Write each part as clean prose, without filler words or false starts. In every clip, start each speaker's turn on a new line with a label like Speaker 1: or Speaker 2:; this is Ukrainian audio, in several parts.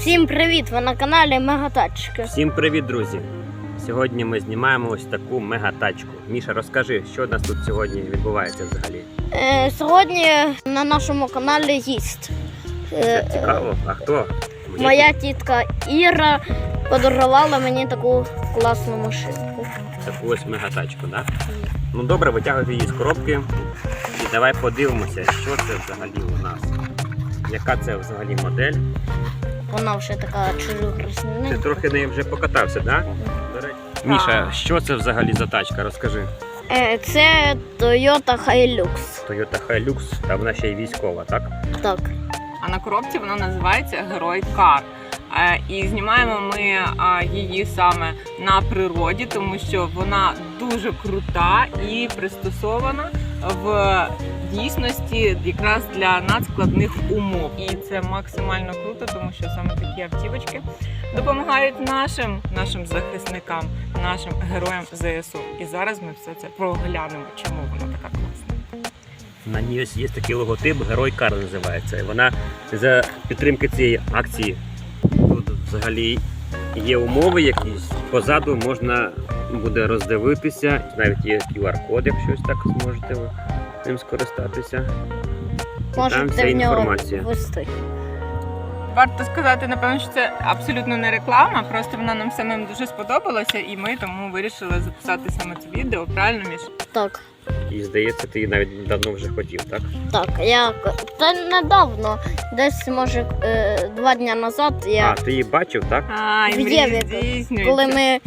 Speaker 1: Всім привіт! Ви на каналі Мегатачки.
Speaker 2: Всім привіт, друзі! Сьогодні ми знімаємо ось таку мегатачку. Міша, розкажи, що у нас тут сьогодні відбувається взагалі?
Speaker 1: Сьогодні на нашому каналі гість.
Speaker 2: Це цікаво? А хто?
Speaker 1: Моя тітка Іра подарувала мені таку класну машинку.
Speaker 2: Таку ось мегатачку, так? Ну добре, витягуйте її з коробки і давай подивимося, що це взагалі у нас. Яка це взагалі модель?
Speaker 1: Вона вже така
Speaker 2: Ти
Speaker 1: чужогрізненька.
Speaker 2: трохи нею вже покатався, так? Міша, що це взагалі за тачка? Розкажи.
Speaker 1: Це Toyota Hilux.
Speaker 2: Toyota Hilux, та вона ще й військова, так?
Speaker 1: Так.
Speaker 3: А на коробці вона називається Герой Кар. І знімаємо ми її саме на природі, тому що вона дуже крута і пристосована в дійсності якраз для надскладних умов. І це максимально круто, тому що саме такі автівочки допомагають нашим захисникам, нашим героям ЗСУ. І зараз ми все це проглянемо, чому вона така класна.
Speaker 2: На ній ось є такий логотип, Герой Кар називається. І вона за підтримки цієї акції. Тут взагалі є умови якісь. Позаду можна буде роздивитися, навіть є QR-код, якщо ось так зможете ви ним скористатися. Там вся
Speaker 1: Можете в нього
Speaker 2: інформація.
Speaker 1: ввести.
Speaker 3: Варто сказати, напевно, що це абсолютно не реклама, просто вона нам самим дуже сподобалася, і ми тому вирішили записати саме це відео. Правильно, Міш?
Speaker 2: Так. І здається, ти навіть давно вже хотів, так?
Speaker 1: Так, та недавно, десь може 2 дні назад
Speaker 2: А, ти її бачив, так?
Speaker 3: І
Speaker 1: В
Speaker 3: мрії
Speaker 1: Єві,
Speaker 3: здійснюються.
Speaker 1: коли ми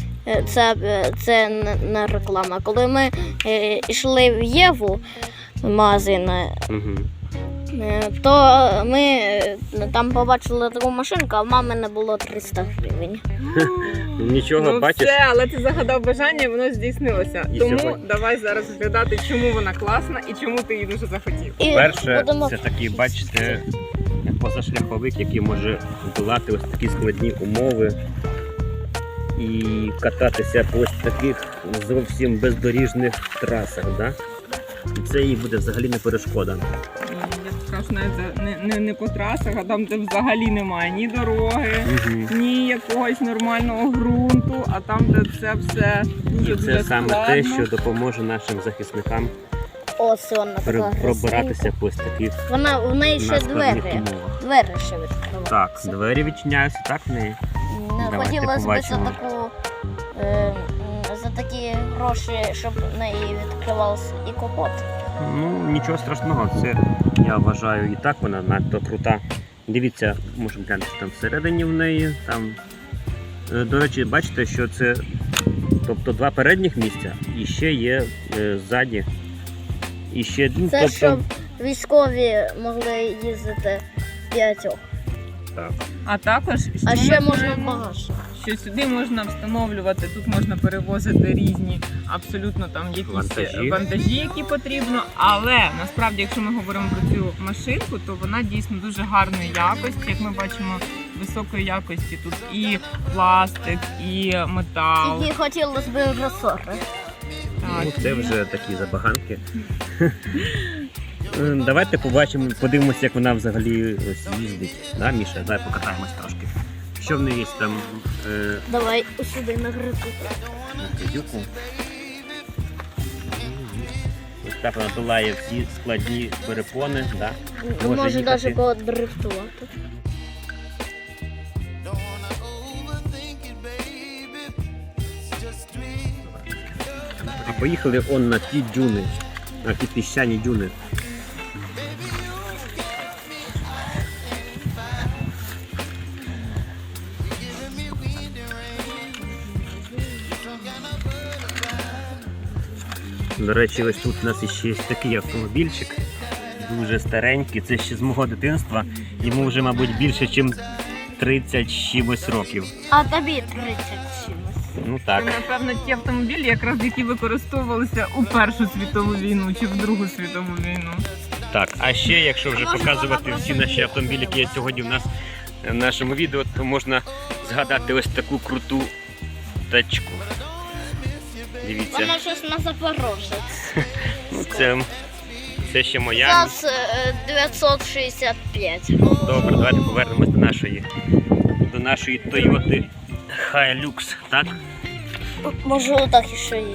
Speaker 1: це не реклама. Коли ми йшли в Єву магазин,
Speaker 2: Угу.
Speaker 1: то ми там побачили таку машинку, а в мами не було 300 гривень.
Speaker 2: Нічого,
Speaker 3: Ну
Speaker 2: бачиш?
Speaker 3: все, але ти загадав бажання, і воно здійснилося.
Speaker 2: І
Speaker 3: Тому
Speaker 2: сьогодні.
Speaker 3: давай зараз згадати, чому вона класна і чому ти її дуже захотів.
Speaker 1: І
Speaker 2: Перше,
Speaker 1: будемо
Speaker 2: це такий, бачите, позашляховик, який може долати ось такі складні умови і кататися по ось таких зовсім бездоріжних трасах, да? І це їй буде взагалі не перешкода.
Speaker 3: Я б скажу, навіть не по трасах, а там, де взагалі немає ні дороги, ні якогось нормального ґрунту, а там, де це все дуже
Speaker 2: І
Speaker 3: дуже
Speaker 2: це саме
Speaker 3: складно.
Speaker 2: те, що допоможе нашим захисникам
Speaker 1: ось вона така.
Speaker 2: пробиратися по ось таких
Speaker 1: В неї ще
Speaker 2: надскладних
Speaker 1: двері.
Speaker 2: умовах.
Speaker 1: Двері ще відкриваються.
Speaker 2: Так, двері відчиняються, так в неї? Давайте
Speaker 1: Хотілося б за
Speaker 2: побачимо.
Speaker 1: за такі гроші, щоб в неї відкривався і капот.
Speaker 2: Ну, нічого страшного, це, я вважаю, і так вона надто крута. Дивіться, можемо глянути, що там всередині в неї. Там, до речі, бачите, що це тобто 2 передніх місця і ще є ззаді. І ще, ну,
Speaker 1: Це
Speaker 2: тобто,
Speaker 1: щоб військові могли їздити 5.
Speaker 2: так.
Speaker 3: А також
Speaker 1: А
Speaker 3: що
Speaker 1: ще
Speaker 3: ми
Speaker 1: можна
Speaker 3: знаємо?
Speaker 1: багаж.
Speaker 3: Що сюди можна встановлювати, тут можна перевозити різні абсолютно там якісь вантажі, які потрібно. Але насправді, якщо ми говоримо про цю машинку, то вона дійсно дуже гарної якості. Як ми бачимо, високої якості тут і пластик, і метал.
Speaker 1: Тільки хотілося б ресори.
Speaker 3: Так,
Speaker 2: Ну, це вже такі забаганки. Давайте побачимо, подивимося, як вона взагалі ось їздить. Да, Міша? Давай покатаємось трошки. Що в неї є там
Speaker 1: Давай сюди на грику.
Speaker 2: на кредюку? Ось так вона долає всі складні перепони. Да?
Speaker 1: Може
Speaker 2: їхати.
Speaker 1: навіть подрифтувати.
Speaker 2: А поїхали он на ті дюни, на ті піщані дюни. До речі, ось тут у нас іще є такий автомобільчик, дуже старенький, це ще з мого дитинства. Йому вже, мабуть, більше, ніж 30 чимось років.
Speaker 1: А тобі 30 чимось.
Speaker 2: Ну
Speaker 3: Це,
Speaker 2: так.
Speaker 3: напевно, ті автомобілі, якраз які використовувалися у Першу світову війну чи в Другу світову війну.
Speaker 2: Так, а ще, якщо вже показувати всі наші автомобілі, які є сьогодні в нас в нашому відео, то можна згадати ось таку круту тачку. Дивіться.
Speaker 1: Вона щось на Запорожець.
Speaker 2: Ну, це ще моя.
Speaker 1: ЗАЗ 965.
Speaker 2: Добре, давайте повернемось нашої Toyota Hilux, так?
Speaker 1: Може отак ще її.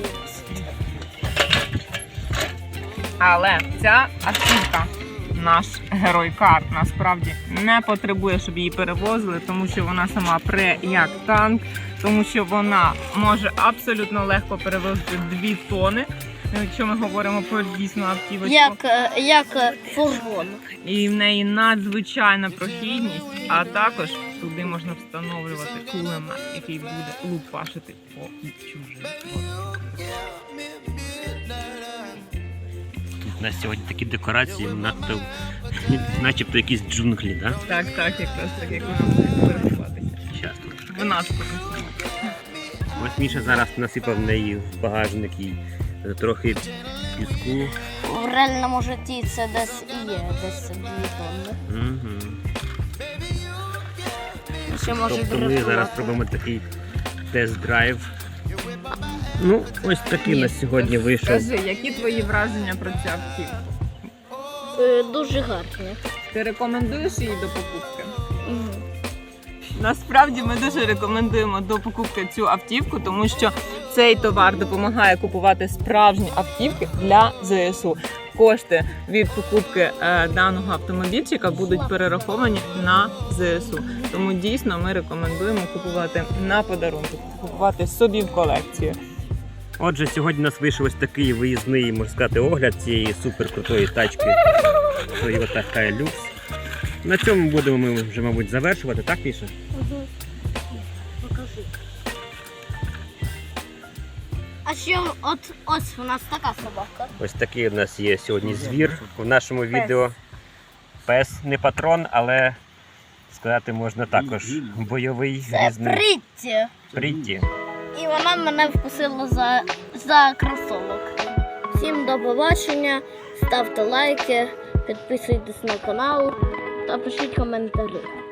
Speaker 3: Але ця автівка, наш герой кар, насправді не потребує, щоб її перевозили, тому що вона сама пре як танк, тому що вона може абсолютно легко перевозити 2 тони, якщо ми говоримо про дійсну автівочку.
Speaker 1: Як фургон.
Speaker 3: І в неї надзвичайна прохідність, а також туди можна встановлювати кулемет, який буде лупашити по чужим.
Speaker 2: У нас сьогодні такі декорації, надто, начебто якісь джунглі, так?
Speaker 3: Так, якраз так, як вона буде фотографуватися.
Speaker 2: Щас тут.
Speaker 3: В нас покажемо.
Speaker 2: Ось Міша зараз насипав в неї в багажник і трохи піску.
Speaker 1: В реальному житті це десь і є, десь 2 тонни.
Speaker 2: Угу.
Speaker 1: Ще може
Speaker 2: Тобто ми
Speaker 1: дрифтувати.
Speaker 2: зараз робимо такий тест-драйв. Ну, ось такий у нас сьогодні вийшов.
Speaker 3: Скажи, які твої враження про цю автівку?
Speaker 1: Дуже гарні.
Speaker 3: Ти рекомендуєш її до покупки?
Speaker 1: Мгм.
Speaker 3: Насправді ми дуже рекомендуємо до покупки цю автівку, тому що цей товар допомагає купувати справжні автівки для ЗСУ. Кошти від покупки даного автомобільчика будуть перераховані на ЗСУ. Тому дійсно ми рекомендуємо купувати на подарунок, купувати собі в колекцію.
Speaker 2: Отже, сьогодні у нас вийшов ось такий виїзний, можна сказати, огляд цієї суперкрутої тачки Toyota Hilux. На цьому будемо ми вже, мабуть, завершувати, так, Міша?
Speaker 1: Покажи. А ще ось у нас така собака.
Speaker 2: Ось такий у нас є сьогодні звір в нашому відео. Пес, не патрон, але сказати можна також бойовий,
Speaker 1: Це
Speaker 2: різний.
Speaker 1: Притті.
Speaker 2: Притті.
Speaker 1: І вона мене вкусила за кросовок. Всім до побачення, ставте лайки, підписуйтесь на канал та пишіть коментарі.